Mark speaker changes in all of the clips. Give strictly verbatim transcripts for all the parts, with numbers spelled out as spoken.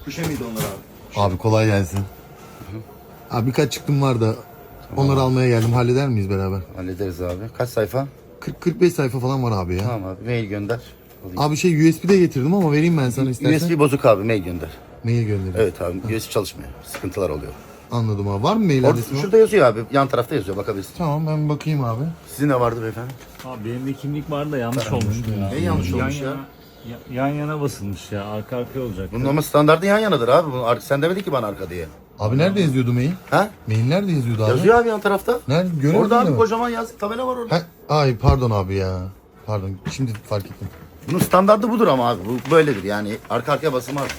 Speaker 1: Kuşe miydi onlar abi?
Speaker 2: Abi kolay gelsin. Abi birkaç çıktım var da onları almaya geldim. Halleder miyiz beraber?
Speaker 1: Hallederiz abi. Kaç sayfa?
Speaker 2: kırk kırk beş sayfa falan var abi ya.
Speaker 1: Tamam abi. Mail gönder. Alayım.
Speaker 2: Abi şey U S B'de getirdim ama vereyim ben sana istersen.
Speaker 1: U S B bozuk abi. Mail gönder.
Speaker 2: Mail göndereyim.
Speaker 1: Evet abi. U S B çalışmıyor. Sıkıntılar oluyor.
Speaker 2: Anladım abi. Var mı mail
Speaker 1: Orada,
Speaker 2: adresi? var?
Speaker 1: şurada yazıyor abi. Yan tarafta yazıyor. Bakabilirsin.
Speaker 2: Tamam ben bakayım abi.
Speaker 1: Sizin ne vardı beyefendi?
Speaker 3: Abi benim de kimlik vardı da yanlış olmuş. Ya.
Speaker 1: Ne yanlış
Speaker 3: yan
Speaker 1: olmuş ya?
Speaker 3: yana, ya- Yan yana basılmış ya. Arka arkaya olacak.
Speaker 1: Bunun ama standardı yan yanadır abi. Bunu ar- sen demedin ki bana arka diye.
Speaker 2: Abi nerede yazıyordu mail?
Speaker 1: Ha?
Speaker 2: Mail nerede yazıyordu abi?
Speaker 1: Yazıyor abi yan tarafta.
Speaker 2: Nerede? Göremedim
Speaker 1: Orada abi
Speaker 2: mi?
Speaker 1: kocaman yazık tabela var orada.
Speaker 2: Ha, ay pardon abi ya. Pardon. Şimdi fark ettim.
Speaker 1: Bunun standardı budur ama abi. Bu böyledir yani. Arka arkaya basılmaz.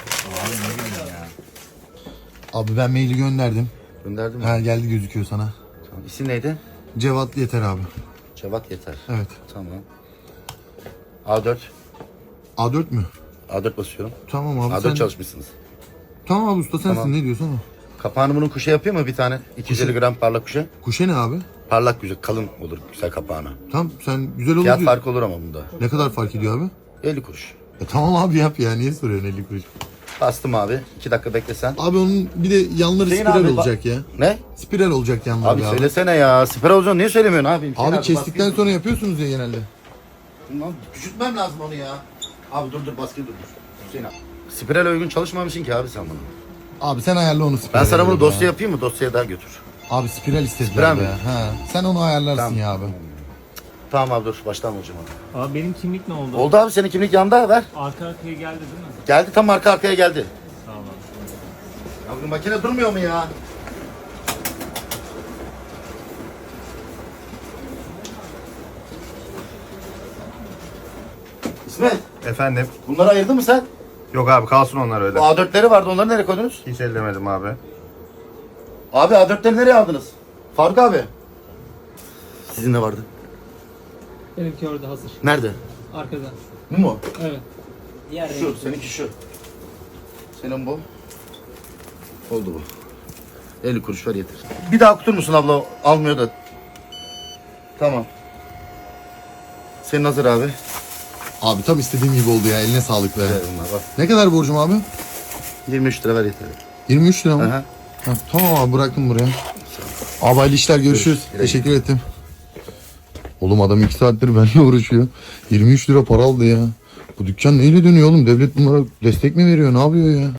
Speaker 2: Abi ben maili gönderdim.
Speaker 1: Gönderdim mi?
Speaker 2: Ha geldi gözüküyor sana.
Speaker 1: Tamam. İsim neydi?
Speaker 2: Cevat yeter abi.
Speaker 1: Cevat yeter.
Speaker 2: Evet.
Speaker 1: Tamam. A dört.
Speaker 2: A dört mü?
Speaker 1: A dört basıyorum.
Speaker 2: Tamam abi
Speaker 1: A dört
Speaker 2: sen...
Speaker 1: çalışmışsınız.
Speaker 2: Tamam abi usta sensin
Speaker 1: Tamam.
Speaker 2: ne diyorsun ama.
Speaker 1: Kapağını bunun kuşa yapıyor mu bir tane? iki yüz elli gram parlak kuşa.
Speaker 2: Kuşe ne abi?
Speaker 1: Parlak güzel, kalın olur güzel kapağına.
Speaker 2: Tamam sen güzel olur
Speaker 1: Fiyat
Speaker 2: diyor.
Speaker 1: farkı olur ama bunda.
Speaker 2: Ne kadar fark ediyor abi?
Speaker 1: elli kuruş.
Speaker 2: E tamam abi yap ya niye soruyorsun elli kuruş?
Speaker 1: Bastım abi. iki dakika beklesen.
Speaker 2: Abi onun bir de yanları
Speaker 1: Hüseyin
Speaker 2: spiral
Speaker 1: abi, bak-
Speaker 2: olacak ya.
Speaker 1: Ne?
Speaker 2: Spiral olacak yanları
Speaker 1: Abi
Speaker 2: abi.
Speaker 1: söylesene ya. Siper olacaksın niye söylemiyorsun abi? Hüseyin
Speaker 2: Abi kestikten
Speaker 1: baskıyı-
Speaker 2: sonra yapıyorsunuz ya genelde.
Speaker 1: Lan küçültmem lazım onu ya. Abi dur dur baskıyı dur dur. Hüseyin abi. Spiral uygun çalışmamışsın ki abi sen bunu.
Speaker 2: Abi sen ayarla onu
Speaker 1: Ben
Speaker 2: spiral.
Speaker 1: sana bunu
Speaker 2: ya.
Speaker 1: dosya yapayım mı? Dosyaya daha götür.
Speaker 2: Abi spiral istediler
Speaker 1: Spiral
Speaker 2: be.
Speaker 1: mi?
Speaker 2: Ha. Sen onu ayarlarsın
Speaker 1: Tamam.
Speaker 2: ya abi.
Speaker 1: Tamam abi dur baştan olacağım abi.
Speaker 3: Abi benim kimlik ne oldu?
Speaker 1: Oldu abi senin kimlik yanda ver.
Speaker 3: Arka arkaya geldi değil mi?
Speaker 1: Geldi tam arka arkaya geldi.
Speaker 3: Sağ ol abi.
Speaker 1: Ya bu makine durmuyor mu ya? İsmet
Speaker 4: Efendim?
Speaker 1: bunları ayırdın mı sen?
Speaker 4: Yok abi kalsın onlar öyle.
Speaker 1: Bu A dörtleri vardı onları nereye koydunuz?
Speaker 4: Hiç ellemedim abi.
Speaker 1: Abi A dörtleri nereye aldınız? Faruk abi. Sizin de vardı.
Speaker 5: Benimki orada hazır.
Speaker 1: Nerede?
Speaker 5: Arkada.
Speaker 1: Bu mu?
Speaker 5: Evet. Diğer
Speaker 1: Şu, seninki şu. Senin bu. Oldu bu. elli kuruş ver yeter. Bir daha okutur musun abla? Almıyor da. Tamam. Senin hazır abi.
Speaker 2: Abi tam istediğim gibi oldu ya eline sağlık be.
Speaker 1: Ver bunlar bak.
Speaker 2: Ne kadar borcum abi?
Speaker 1: yirmi üç lira ver yeter.
Speaker 2: yirmi üç lira mı?
Speaker 1: Aha.
Speaker 2: Ha, tamam abi bıraktım buraya. Abi hayırlı işler görüşürüz.
Speaker 1: Güle güle.
Speaker 2: Teşekkür ettim. Oğlum adam iki saattir benimle uğraşıyor. yirmi üç lira para aldı ya. Bu dükkan neyle dönüyor oğlum? Devlet bunlara destek mi veriyor? Ne yapıyor ya?